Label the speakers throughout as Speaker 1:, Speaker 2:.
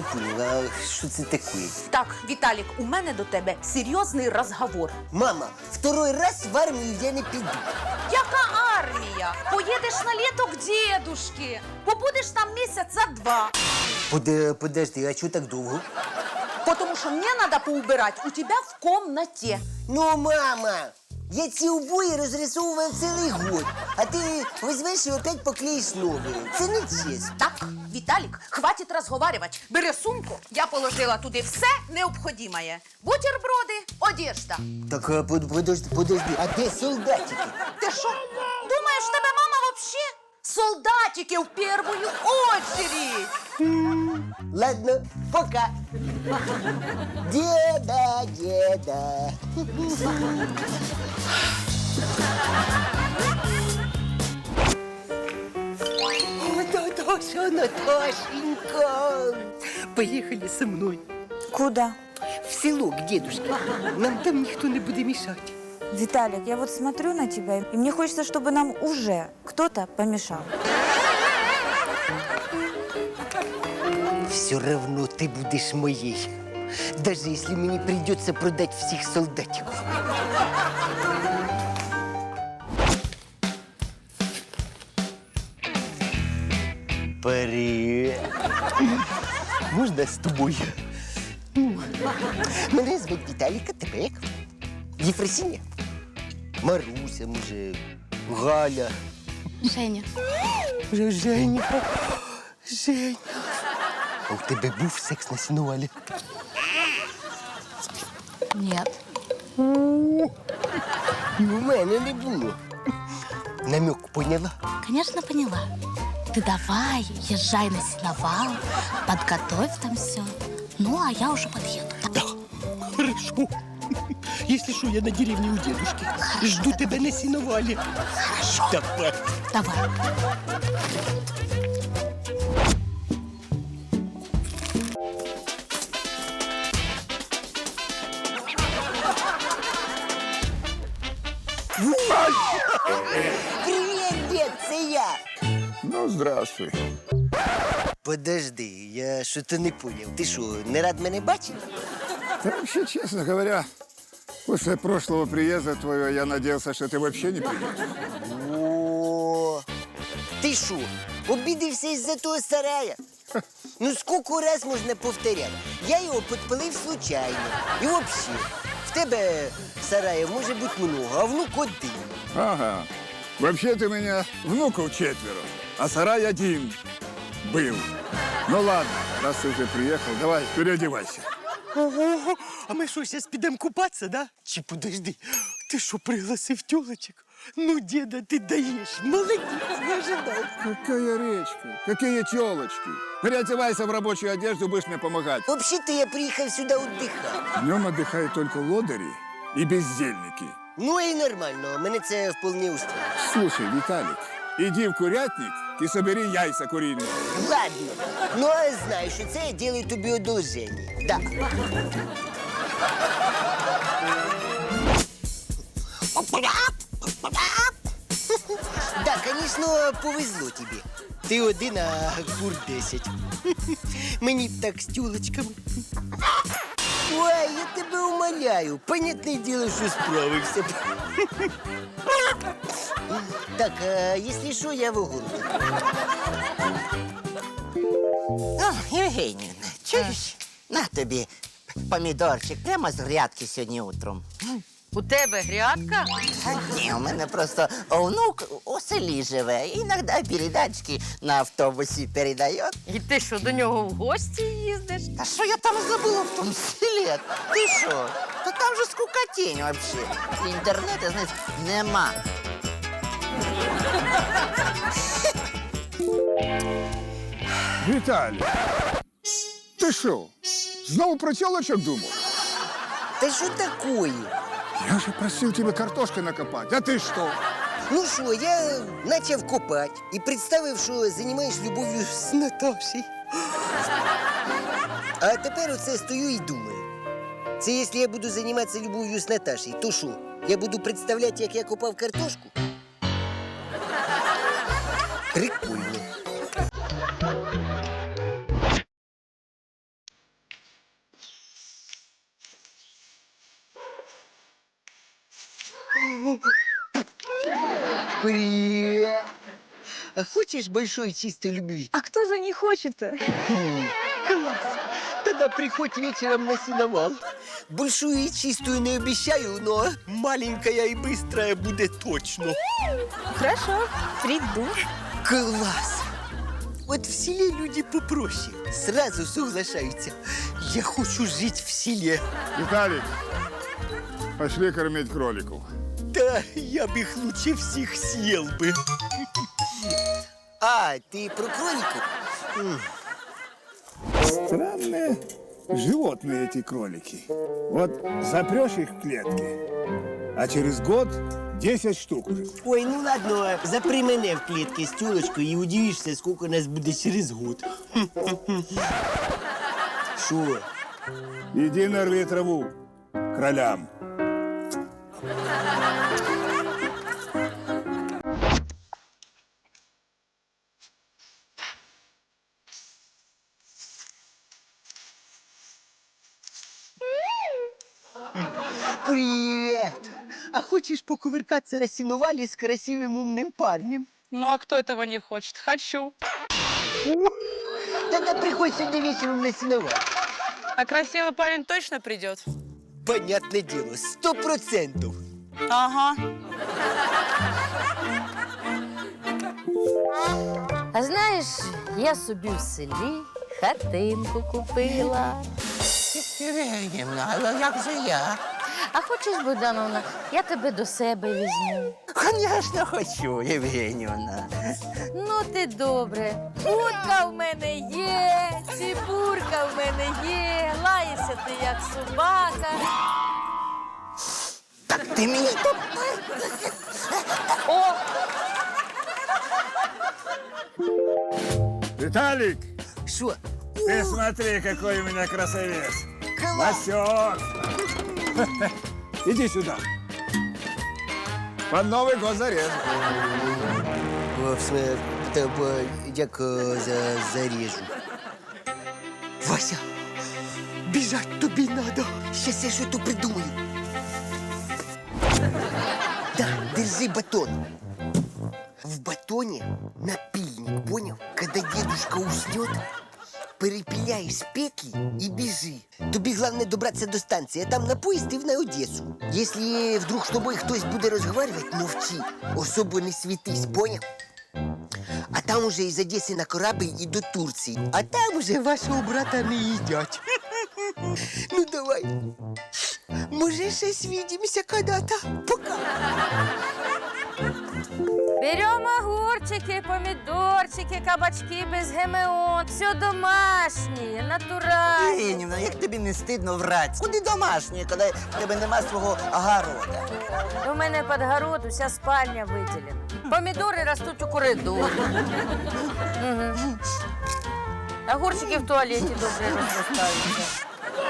Speaker 1: понял, а що це таке?
Speaker 2: Так, Віталік, у мене до тебе серйозний розговор.
Speaker 1: Мама, второй раз в армію я не піду.
Speaker 2: Яка армія? Поїдеш на літо к дедушки. Побудеш там місяця 2.
Speaker 1: Подожди, а чого так довго?
Speaker 2: Потому що мені треба поубирати у тебе в комнаті.
Speaker 1: Ну, мама, я ці обої розрисовував цілий год, а ти візьмеш і опять поклеїш нові. Це не чесно.
Speaker 2: Так, Віталік, хватить розговарювати. Бери сумку, я положила туди все необхідне. Бутерброди, одежда.
Speaker 1: Так, подожди, а де солдатики?
Speaker 2: Ти що, думаєш, в тебе мама вообще? Солдатики в первую очередь.
Speaker 1: Ладно, пока. Деда. Наташенька, поехали со мной
Speaker 3: Куда?
Speaker 1: в село к дедушке. Нам там никто не будет мешать.
Speaker 3: Виталик, я вот смотрю на тебя, и мне хочется, чтобы нам уже кто-то помешал.
Speaker 1: Все равно ты будешь моей, даже если мне придется продать всех солдатиков. Привет. Можна з тобою? Мене звуть Віталіка, тебе як? Єфросиня? Маруся, може, Галя.
Speaker 4: Женя.
Speaker 1: Женя. А у тебе був секс на сінувалі?
Speaker 4: Нет.
Speaker 1: І у мене не було. Намек поняла?
Speaker 4: Конечно, поняла. Ты давай, езжай на сеновал, подготовь там все. Ну, а я уже подъеду.
Speaker 1: Да, хорошо. Если что, я на деревне у дедушки. Жду тебя на сеновале.
Speaker 4: Хорошо.
Speaker 1: Давай.
Speaker 4: Давай.
Speaker 1: Привет, дед, це я.
Speaker 5: Ну, здравствуй.
Speaker 1: Подожди, я що-то не понял. Ти що, не рад мене бачити?
Speaker 5: Да вообще, честно говоря, после прошлого приезда твоего я надеялся, что ты вообще не придешь.
Speaker 1: О, ти що, обідався із-за того сарая? Ну, скільки раз можна повторяти? Я його підпалив случайно. І взагалі, в тебе сараїв може бути много, а внук один.
Speaker 5: Ага. Вообще-то у меня внуков 4, а сарай один был. Ну ладно, раз ты уже приехал, давай, переодевайся.
Speaker 1: Ого, а ми що, зараз підемо купатися, да? Чи подожди, ти що, пригласив тёлочек? Ну, деда, ти даєш, молодець, не ожидав.
Speaker 5: Какая речка, какие телочки. Переодевайся в рабочую одежду, будешь мне помогать.
Speaker 1: Взагалі-то я приїхав сюди віддихати.
Speaker 5: Днем отдыхают только лодыри и бездельники.
Speaker 1: Ну і нормально, мене це вполне устроює.
Speaker 5: Слушай, Виталик, иди в курятник и собери яйца куриные.
Speaker 1: Ладно, ну а знаю, що це я делаю тобі одолження. Да. Да, конечно, повезло тобі. Ти один, а кур 10. Мені б так з тюлочками. Ой, я тебе умоляю. Понятне діло, що справився. Так, а якщо що, я в огороді.
Speaker 6: О, Євгенівна, чуєш? На тобі помідорчик прямо з грядки сьогодні утром.
Speaker 2: У тебе грядка?
Speaker 6: Та ні, у мене просто внук у селі живе. Іноді передачки на автобусі передає.
Speaker 2: І ти що, до нього в гості їздиш?
Speaker 6: Та що я там забула в тому селі? Ти що? Та там же скукотінь взагалі. Інтернету, знаєш, нема.
Speaker 5: Виталий, ты что, снова про телочек думал?
Speaker 1: Та що такое?
Speaker 5: Я же просил тебя картошкой накопать, а ты что?
Speaker 1: Ну що, я почав копати і представив, що займаєш любов'ю з Наташею. А тепер оце стою і думаю. Це якщо я буду займатися любов'ю з Наташею, то що? Я буду представляти, як я копав картошку? Прикольно. Привет. А хочешь большой чистой любви?
Speaker 3: А кто же не хочет-то?
Speaker 1: Класс. Тогда приходь вечером на сеновал. Большую и чистую не обещаю, но маленькая и быстрая будет точно.
Speaker 3: Хорошо, приду.
Speaker 1: Класс. Вот в селе люди попроще. Сразу соглашаются. Я хочу жить в селе.
Speaker 5: Виталик, пошли кормить кроликов.
Speaker 1: Да, я бы их лучше всех съел бы. А, ты про кроликов?
Speaker 5: Странные животные эти кролики. Вот запрешь их в клетки, а через год 10 штук уже.
Speaker 1: Ой, ну ладно, запри мене в клетке с тёлочкой и удивишься, сколько нас будет через год. Шо?
Speaker 5: Иди нарви траву кролям.
Speaker 1: Привет! А хочешь покувыркаться на сеновале с красивым умным парнем?
Speaker 7: Ну а кто этого не хочет? Хочу.
Speaker 1: Тогда приходь сегодня вечером на сеновал.
Speaker 7: А красивый парень точно придет?
Speaker 1: Понятное дело, 100%.
Speaker 7: Ага.
Speaker 8: А знаєш, я собі в селі хатинку купила.
Speaker 6: Євгенівна, а як же я?
Speaker 8: А хочеш, Богдановна, я тебе до себе візьму.
Speaker 6: Звісно, хочу, Євгенівна.
Speaker 8: Ну ти добре. Утка в мене є, цибурка в мене є, лаєшся ти як собака.
Speaker 6: Так ти мені
Speaker 8: О,
Speaker 5: Виталик,
Speaker 1: Шо?
Speaker 5: ты смотри, какой у меня красавец.
Speaker 1: Класс!
Speaker 5: Васек. Иди сюда. Под Новый год зарежу.
Speaker 1: Дякую за зарежу. Вася, бежать тобі надо. Сейчас я что-то придумаю. Да, держи батон. В батоне напильник, понял? Когда дедушка уснет, перепиляешь петли и бежи. Тобі главное добраться до станции, а там на поезд и на Одессу. Если вдруг с тобой кто-то будет разговаривать, молчи. Особо не светись, понял? А там уже из Одессы на корабль и до Турции. А там уже вашего брата не едят. Ну давай. Може, ще свидимся когда-то. Пока.
Speaker 8: беремо огурчики, помідорчики, кабачки без ГМО. Все домашнє, натуральне.
Speaker 6: Євгенівна, як тобі не стидно врать? Куди домашнє, коли в тебе нема свого огорода?
Speaker 8: У мене під город уся спальня виділена. Помідори ростуть у коридорі. Мгм. Огурчики в туалеті добре розростаються.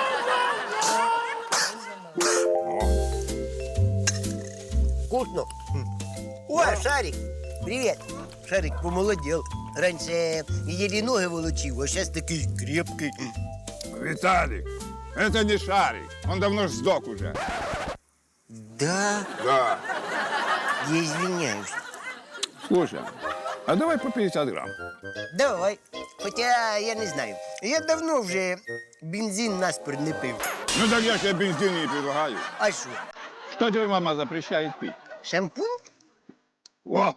Speaker 1: Вкусно. О, Шарик, привет. Шарик помолодел. Раньше еле ноги волочил, а сейчас такой крепкий.
Speaker 5: Виталик, это не шарик. Он давно ж сдох уже.
Speaker 1: Да,
Speaker 5: Да.
Speaker 1: я извиняюсь.
Speaker 5: Слушай, а давай по 50 грамм.
Speaker 1: Давай. Хотя я не знаю. Я давно вже бензин наспор не пив.
Speaker 5: Ну так я тебе бензин не предлагаю.
Speaker 1: А що?
Speaker 5: Что тебе мама запрещает пить?
Speaker 1: Шампунь?
Speaker 5: О!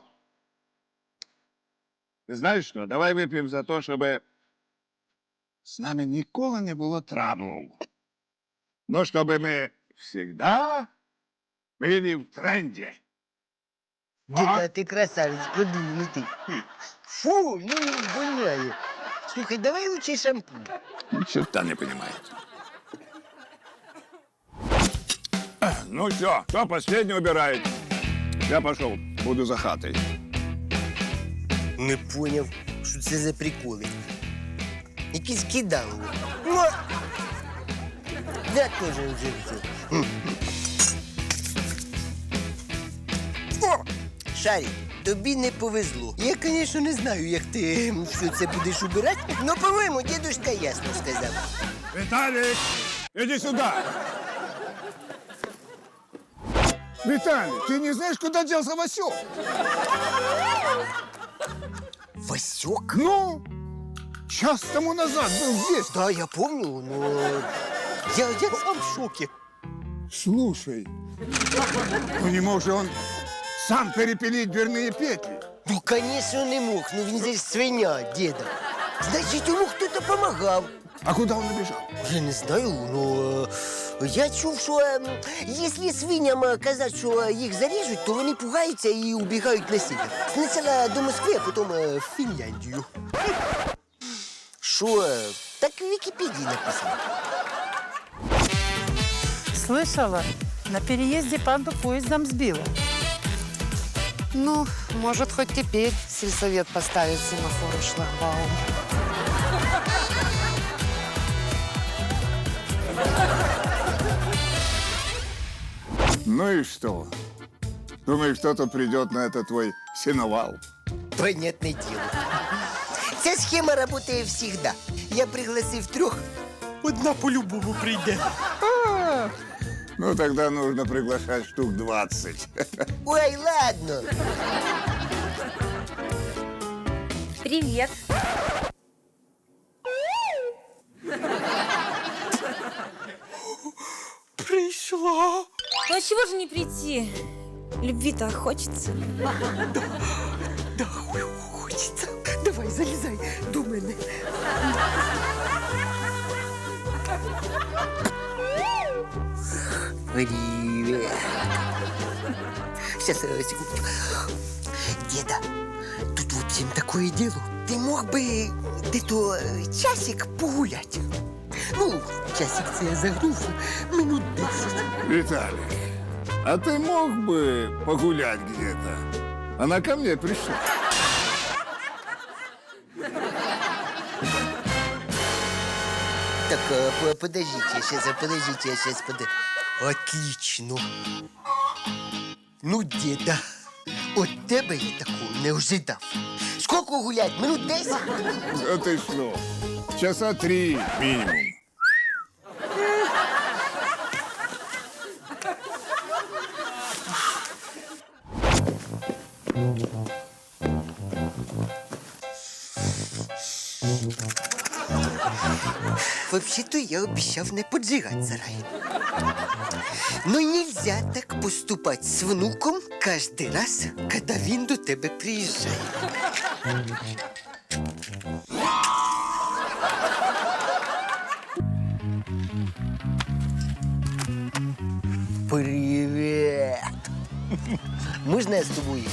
Speaker 5: Ты знаешь что, давай выпьем за то, чтобы с нами ніколи не было траблов. Но чтобы мы всегда были в тренде.
Speaker 1: Діда, ти красавець, продвинутий. Фу, ну воняє. Слухай, давай лучше шампунь.
Speaker 5: Ни черта не понимает. Ну все, кто последний убирает? Я пошел, буду за хатой.
Speaker 1: Не поняв, що це за приколи. Якісь кидали. Ну, я теж вже все. О, Шарик, тобі не повезло. Я, звісно, не знаю, як ти все це будеш убирати, але, по-моєму, дідушка ясно сказав.
Speaker 5: Виталик, иди сюда. Виталий, ты не знаешь, куда делся Васек?
Speaker 1: Васек?
Speaker 5: Ну, час тому назад был здесь.
Speaker 1: Да, я помню, но я сам в шоке.
Speaker 5: Слушай, ну не мог же он сам перепилить дверные петли?
Speaker 1: Ну, конечно, не мог. Ну, він же ж свиня, деда. Значить, йому хтось допомагав.
Speaker 5: А куда он убежал?
Speaker 1: Я не знаю, но я чув, що якщо свиням казати, що їх заріжуть, то вони пугаються і убігають на север. Спочатку до Москви, а потім в Фінляндію. Що? Так в Вікіпедії написано.
Speaker 9: Слышала, на переезде панду поездом сбила.
Speaker 10: Ну, может, хоть теперь сельсовет поставит семафор и шлагбаум.
Speaker 5: Ну и что? Думаешь, кто-то придет на этот твой сеновал?
Speaker 1: Понятне діло. Ця схема працює завжди. Я пригласив 3, одна по-любому прийде.
Speaker 5: Ну, тогда нужно приглашать штук 20.
Speaker 1: Ой, ладно.
Speaker 3: Привет.
Speaker 1: Прийшла.
Speaker 3: Ну а чего же не прийти? Любви-то хочется.
Speaker 1: Да, хочеться. Давай, залізай до мене. Привет. Сейчас, секундочку. Деда, тут, в общем, такое дело. Ты мог бы где-то часик погулять? Ну, часик це я загнув, минут 10.
Speaker 5: Виталик, а ты мог бы погулять где-то? Она ко мне пришла.
Speaker 1: Так, подождите, я сейчас. Отлично. Ну, деда, от тебе я такого не ожидав. Сколько гулять? Минут 10?
Speaker 5: Да ты что? Часа 3 минимум.
Speaker 1: Вообще-то я обещав не поджигать сарай. Но нельзя так поступать с внуком каждый раз, когда він до тебе приезжает. Привет! Можна я з тобою?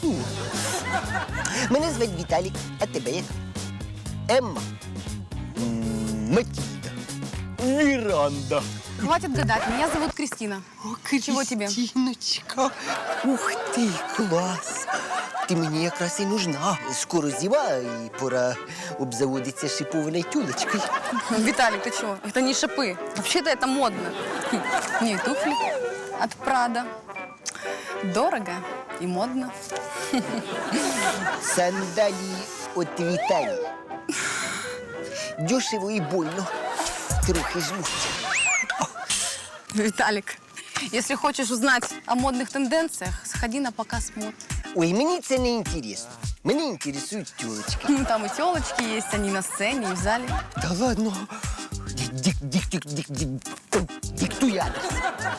Speaker 1: Мене звати Віталік, а тебе як? Емма. Матильда. Миранда.
Speaker 7: Хватит гадать, меня зовут Кристина. Чего тебе?
Speaker 1: Кристиночка. Ух ты, класс. Ти мені якраз і нужна. Скоро зима, і пора обзаводитися шипованою тюлечкою.
Speaker 7: Виталик, ты чего? Это не шипы. Вообще-то это модно. Не, туфли от Прада. Дорого и модно.
Speaker 1: Сандалії от Віталії. Дешево і больно. Трохи жмуть.
Speaker 7: Виталик, если хочешь узнать о модных тенденциях, сходи на показ мод.
Speaker 1: Ой, мені це не інтересно. Мене інтересують тюлечки.
Speaker 7: Ну, там и телочки есть, они на сцене и в зале.
Speaker 1: Та ладно. Диктуй адрес.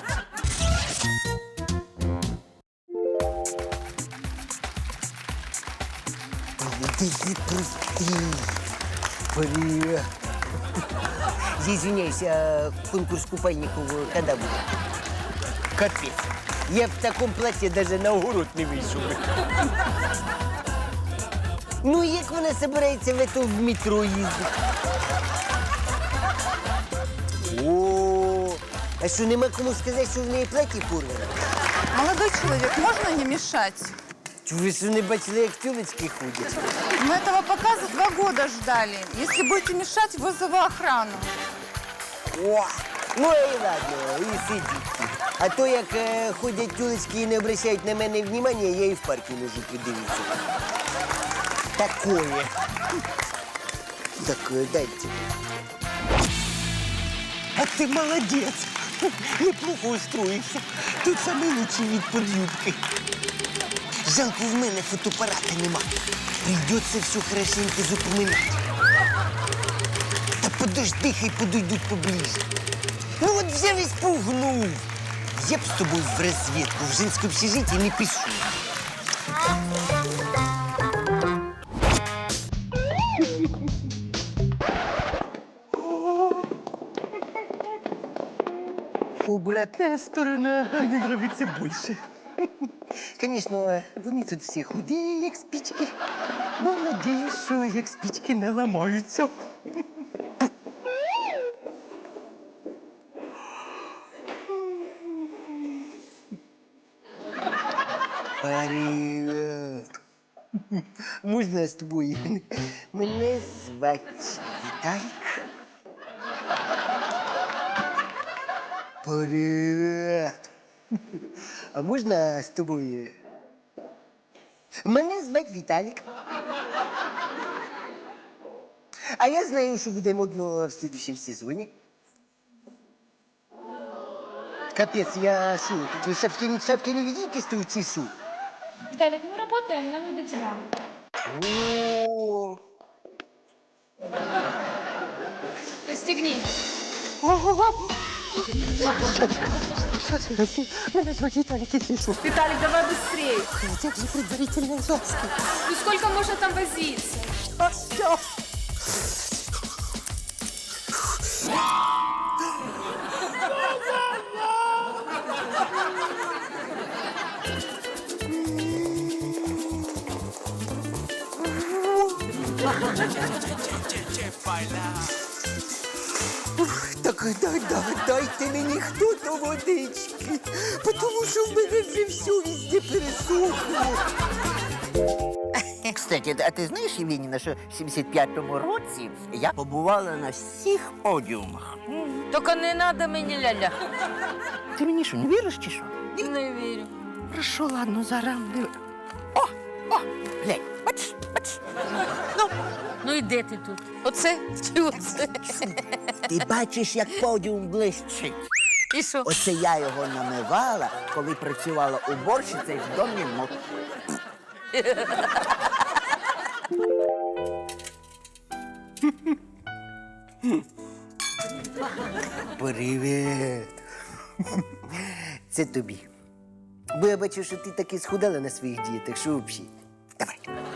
Speaker 1: Прости. Привет. Я извиняюсь, а конкурс купальников когда будет? Капец. Я в таком платье даже на огород не вийшов. Ну, як вона собирається в метро їздити? О, а що, нема кому сказати, що в неї плаття порване?
Speaker 7: Молодой человек, можно не мешать?
Speaker 1: Ви що, не бачили, як тюлечки ходять?
Speaker 7: Мы этого показа 2 года ждали. Если будете мешать, вызову охрану.
Speaker 1: О, ну і ладно, і сидіть. А то, як ходять тюлечки і не обращають на мене внимання, я і в парку можу подивитися. Такое. Так, дайте. А ти молодець. Неплохо устроївся. Тут саме лучший від под'юбки. Жалко, в мене фотоапарата нема. Прийдеться все хорошенько запоминати. Та подожди, хай подойдуть поближе. Ну от взяв і спугнув. Я б з тобою в розвідку, в женське общежитие не пишу. Обратная сторона мне нравится больше. Конечно, вони тут всі худі, як спички. Но надіюсь, що як спички не ламаються. Привет. Можна з тобою? Мене звати Віталік. Привет. А можна з тобою? Мене звати Віталік. А я знаю, що буде модно в следующем сезоні. Капец, я шо, шапки-невидимки стою, шо?
Speaker 11: Виталик, мы работаем, нам не до тебя.
Speaker 1: О,
Speaker 11: Пристегни.
Speaker 1: Мене звати Віталік, якщо що.
Speaker 11: Виталик, давай быстрее.
Speaker 1: Як же предварительно ласки.
Speaker 11: Ну сколько можно там возиться?
Speaker 1: Так дайте мені хто-то водички, тому що в мене вже все везде пересохло.
Speaker 6: Кстати, а ти знаєш, Євгенівна, що в 75-му році я побувала на всіх подіумах.
Speaker 8: Только не надо мені ля-ля.
Speaker 6: Ти мені що, не віриш чи що?
Speaker 8: Не вірю.
Speaker 6: Хорошо, ладно, зараз. Глянь, бачиш.
Speaker 8: Ну і де ти тут? Оце чи оце?
Speaker 6: Ти бачиш, як подіум блищить.
Speaker 8: І що?
Speaker 6: Оце я його намивала, коли працювала уборщицею в домі мод.
Speaker 1: Привіт. Це тобі. Бо я бачу, що ти таки схудала на своїх дієтах, що взагалі. Давай.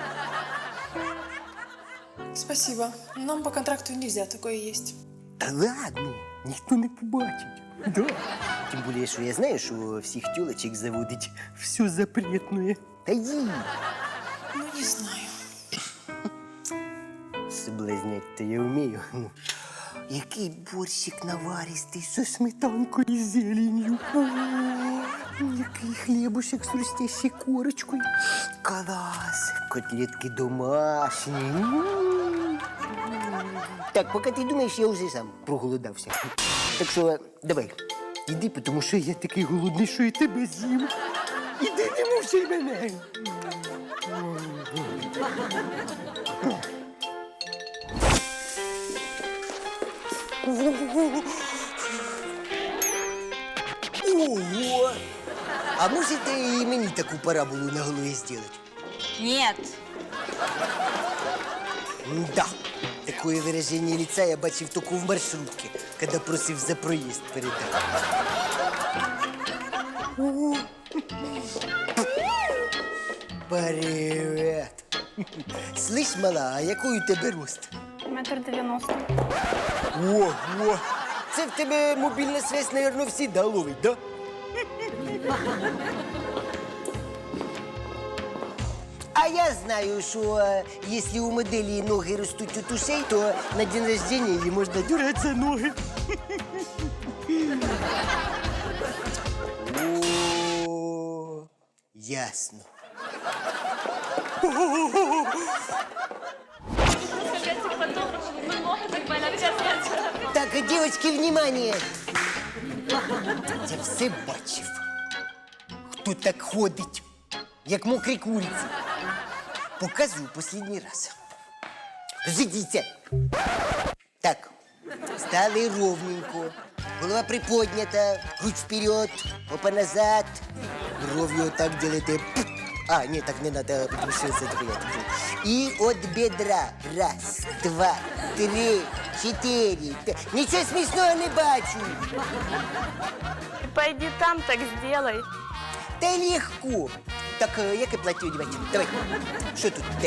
Speaker 11: Спасибо. Нам по контракту нельзя, такое есть.
Speaker 1: Та ладно, ніхто не побачить. Да. Тим більше, що я знаю, що всіх тюлечок заводить все запретне. Та їй.
Speaker 11: Ну, не знаю.
Speaker 1: Соблазнять то я вмію. Який борщик наваристий зі сметанкою і зеленью. Який хлібушек з хрустящей корочкою. Клас. Котлетки домашні. Так, поки ти думаєш, я вже сам проголодався. Так що давай, іди, тому що я такий голодний, що і тебе з'їм. Іди, не мовчай мене. Ого! А можете и мені таку параболу на голові зробити?
Speaker 3: Нет.
Speaker 1: Да. Такое выражение лица я бачив только в маршрутке, когда просив за проезд передати. Привет. Слышь, мала, а який у тебе рост?
Speaker 11: 1,90 м.
Speaker 1: Ого! Це в тебе мобільна связь, наверное, всегда ловить, да? А я знаю, що якщо у моделі ноги ростуть от ушей, то на день рождения їй можна дюрати за ноги. О, ясно. Так, девочки, внимание! Я все бачив. Хто так ходить, як мокрі куриці. Показую последний раз. Розійдіться. Так, стали ровненько. Голова приподнята, грудь вперед, попа назад. Бровью вот так делаете. А, нет, так не надо, потому что это понятно. И от бедра. Раз, два, три, четыре, пять. Ничего смешного не бачу.
Speaker 8: Пойди там, так сделай.
Speaker 1: Та легко. Так, яке плаття одягати? Давай. Що тут? Де?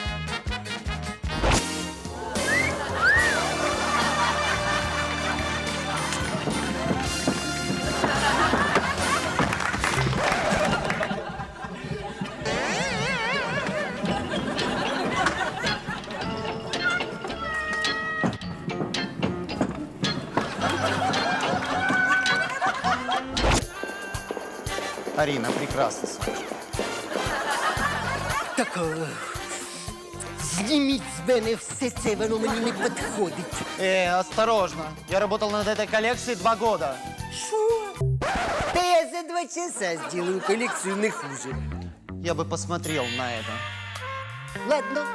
Speaker 6: Арина, прекрасно, Сашка.
Speaker 1: Так, зніміть з мене все це, воно мені не підходить.
Speaker 6: Осторожно. Я работал над этой коллекцией 2 года.
Speaker 1: Що? Та я за 2 часа сделаю коллекцию не хуже.
Speaker 6: Я бы посмотрел на это.
Speaker 1: Ладно.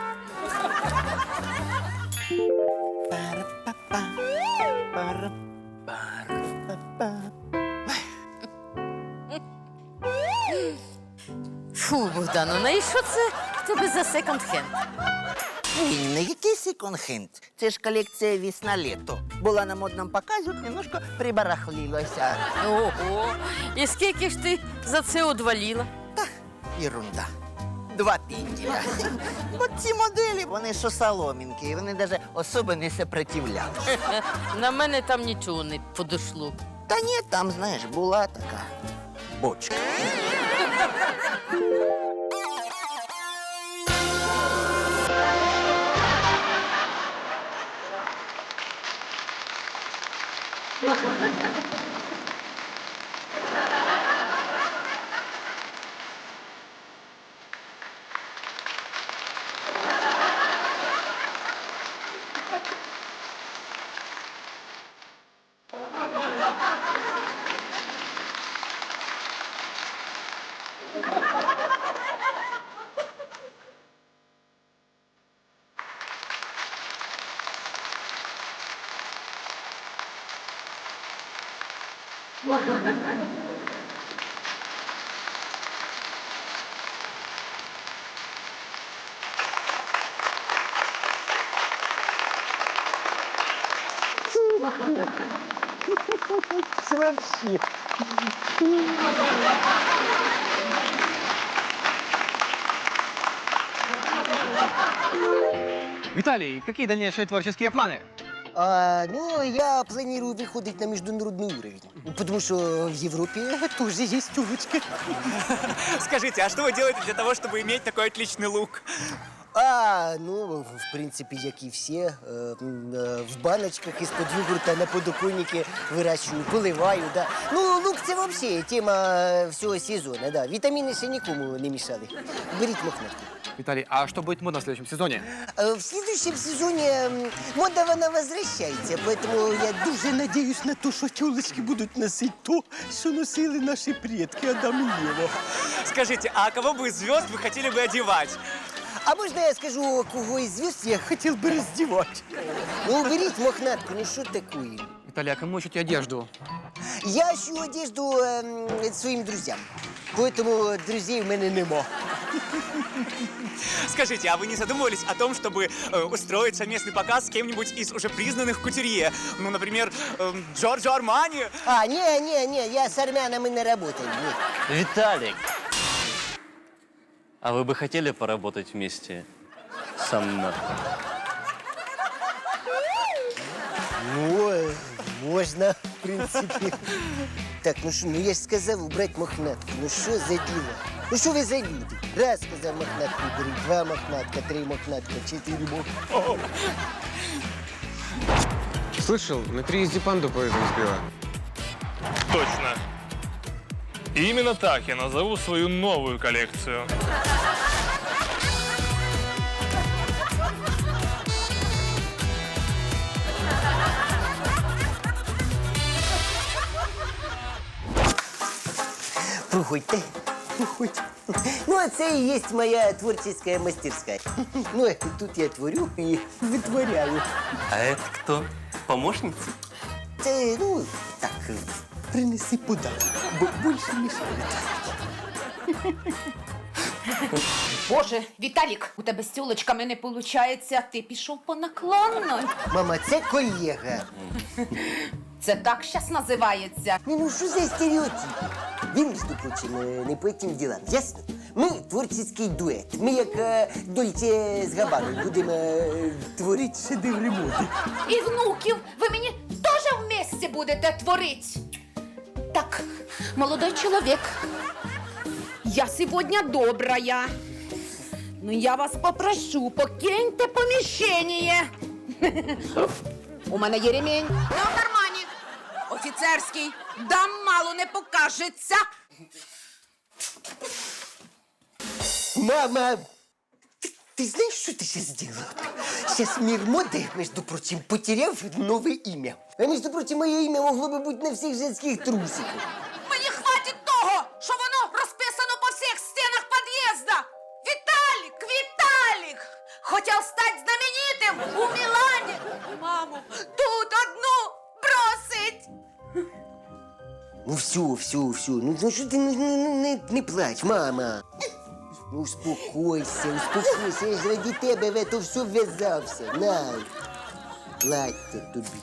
Speaker 8: Фу, Богдану, ну і що це в тебе за секонд-хенд?
Speaker 6: Ні, не який секонд-хенд. Це ж колекція весна-літо. Була на модному показі, от немножко прибарахлилася.
Speaker 8: Ого, і скільки ж ти за це одваліла?
Speaker 6: Ерунда. 2 пінтіля. От ці моделі, вони що соломінки, вони навіть особо не сопротивлялися.
Speaker 8: На мене там нічого не подошло.
Speaker 6: Та ні, там, знаєш, була така бочка.
Speaker 12: Виталий, какие дальнейшие творческие планы?
Speaker 1: Ну, я планирую выходить на международный уровень. Потому что в Европе тоже есть тёлочка.
Speaker 12: Скажите, а что вы делаете для того, чтобы иметь такой отличный лук?
Speaker 1: Ну, в принципе, як і всі, в баночках із-під йогурта на подоконнике вирощую, поливаю, да. Ну, лук це взагалі тема всього сезону, да. Вітаміни ще нікому не мішали. Беріть мохнатку.
Speaker 12: Виталий, а что будет модно в следующем сезоне?
Speaker 1: В следующем сезоне мода вона возвращається, поэтому я дуже надіюсь на те, що тілочки будуть носити то, що носили наші предки Адам і Єва.
Speaker 12: Скажите, а кого бы из звезд вы хотели бы одевать?
Speaker 1: А можна я скажу, кого із звезд я хотів би роздівати? Ну, беріть мохнатку, ну що таке?
Speaker 12: Виталий, а кому ищете одежду?
Speaker 1: Я ищу одежду своим друзьям, поэтому друзей в мене нема.
Speaker 12: Скажите, а вы не задумывались о том, чтобы устроить совместный показ с кем-нибудь из уже признанных кутюрье? Ну, например, Джорджо Армани?
Speaker 1: Не, я с армянами не работаю. Нет.
Speaker 13: Виталик, а вы бы хотели поработать вместе со мной?
Speaker 1: Ну, можно, в принципе. Так, ну що, ну я ж сказав убрать мохнатку. Ну що за діло? Ну що ви за люди? Раз сказав мохнатку беріть, 2 мохнатка, 3 мохнатка, 4 мохнатка.
Speaker 14: Слышал, на приезде панду поездом сбила.
Speaker 15: Точно. И именно так я назову свою новую коллекцию.
Speaker 1: Проходьте, проходьте. Ну, а це і є моя творческая мастерская. Ну, тут я творю і витворяю.
Speaker 13: А это кто? Помощница?
Speaker 1: Це, ну, так. принеси подарок, бо більше не шкода.
Speaker 2: Боже, Віталік, у тебе з тюлочками не виходить, ти пішов по наклонной.
Speaker 1: Мама, це колега.
Speaker 2: Це так щас називається.
Speaker 1: Ні, ну що за стереотип? Він, між прочим, не по этим ділам, ясно? Ми творчий дует. Ми як Дольче з Габбаною будемо творити шедеври моди.
Speaker 2: І внуків ви мені теж вместе будете творити. Так, молодой чоловік, я сьогодні добрая. Ну я вас попрошу, покиньте поміщення. У мене є ремінь. Не в кармані. Офіцерський. Дам мало не покажеться.
Speaker 1: Мама, ти знаєш, що ти зараз зробила? Зараз мир моди, між прочим, потеряв нове ім'я. А між прочим, моє ім'я могло би бути на всіх женських трусиках.
Speaker 2: Мені хватить того, що воно розписано по всіх стінах під'їзда. Віталік, Віталік! Хотів стати знаменитим у Мілані. Маму, тут одну бросить.
Speaker 1: Ну все. Ну що ти не плач, мама. Ну успокойся. Я ж ради тебе в это все вв'язався. На, плаття тобі.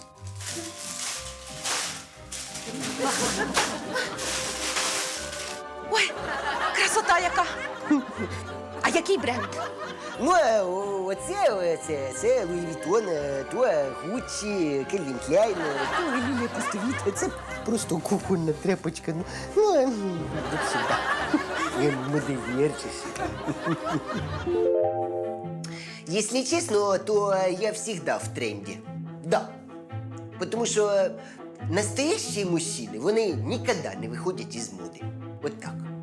Speaker 2: Ой, красота яка. А який бренд?
Speaker 1: Ну, а це Луї Вітон, то Гуччі, Кельвін Кляйн, то Лілія Пустовіт. Це просто кухонна тряпочка. Ну, от сюди. Я модельєрчиш. Если честно, то я всегда в тренде. Да. Потому что настоящие мужчины, вони никогда не выходят из моды. Вот так.